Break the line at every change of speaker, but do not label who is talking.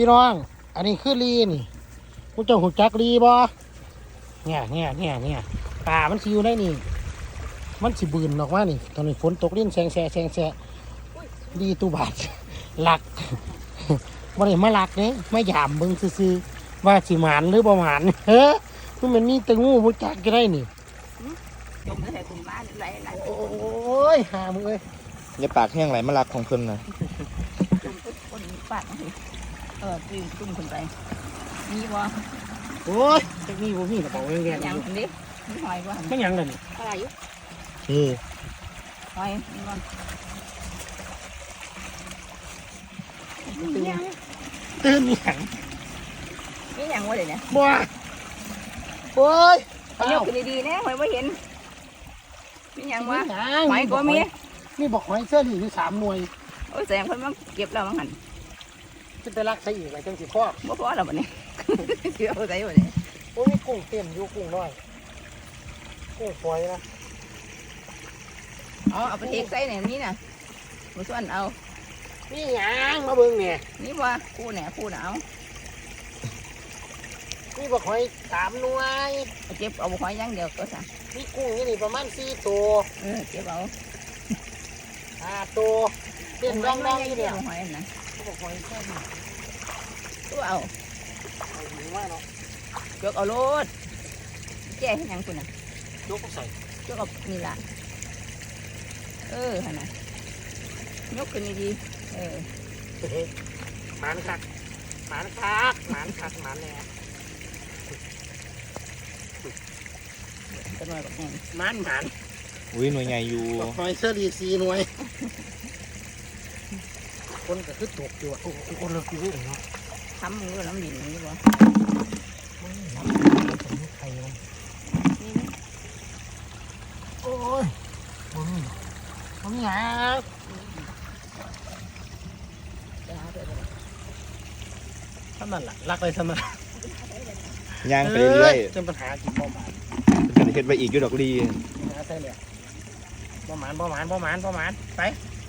พี่น้องอันนี้คือลีนี่กูเจ้าหูจักลีบ่เนี่ยปลามันสิอยู่ในนี่มันสิบืนออกมานี่ตอนนี้ฝนตกลิ้นแซงลีตูบาดหลักบ่ได้มาหลักเด้ไม่ยามเบิ่งซื่อๆว่าสิหมานหรือบ่หมานเฮ้อมันมีแต่งูบ่จักก็ได้นี่
จมใส่ถุงบ้านไหล
โอ้ยหามึงเอ้ย
อย่าปากแห้งไหลมาลักของเพิ่นนะ
จมคนปากตีนตุ้มขึ้นไปมีบ่
โอ้ยจักมีบ่มีกระเป๋าแดงๆ
ยังอันนี้มีหอยบ่
มันหยังล่ะนี่
อะไรอยู่
นี่
หอยนี่บ่
ตื่นหยัง
มีหยังวะเดี๋ยวนี้
บ่โอ้ย
เอายกขึ้นดีๆนะหอยบ่เห็นมีหยังวะหอยก็มี
บอกหอยเสื้อนี่อยู่3หน่วย
โอ้ยแสงเพิ่นมาเก็บแล้วมั้งหั่น
จะไปรักใส่อีกไว้จังสิพ่อ
บ่พอแล้วบัดนี้เสียเอาใส่บัดนี้
โอ้ยมีกุ้งเต็มอยู่กุ้งน้อยกุ้งฝอยนะ
เอาไปเทใส่เนี่ยนี่น่ะบ่ส่วนเอา
นี่หยังมาเบิ่งเนี่ย
นี่บ่คู่แหน่คู่น่ะเอา
นี่บอกหอย3หน่วย
เก็บเอาหอยอย่างเดียวก็ซะ
มีกุ้งอยู่นี่ประมาณ4ตัว
เก็บเอา
5ตัวเต็มร่องๆอยู่เนี่ย
หอยนะ
บอกหอยแค่นี้
ตัวเอา
หิวมากเนาะ
ยกเอาโลดแก่ให้ยังคุณน่ะ
ยกใส่
ยกเอานี่ล่ะหั่นน่ะยกขึ้นดี
หมานคักหมานแน่
จะหน่อยแบบนี้
หมาน
อุ้ยหน่วยใหญ่อยู่
หอยเสื้อดี4หน่วยคนก็คือตกอยู่โอ้คนเลิกอยู่เนาะ
ทำมือน้ำดินนี่บ่
ไข่โอ้ยผมอยากทำมันล่ะรักเลยทำมัน
ย่างไปเรื่อย
จนปัญหากินบ่หมาน
จะเห็นไปอีกอยู่ดอกลี
หาใส่เลยบ่หมานไป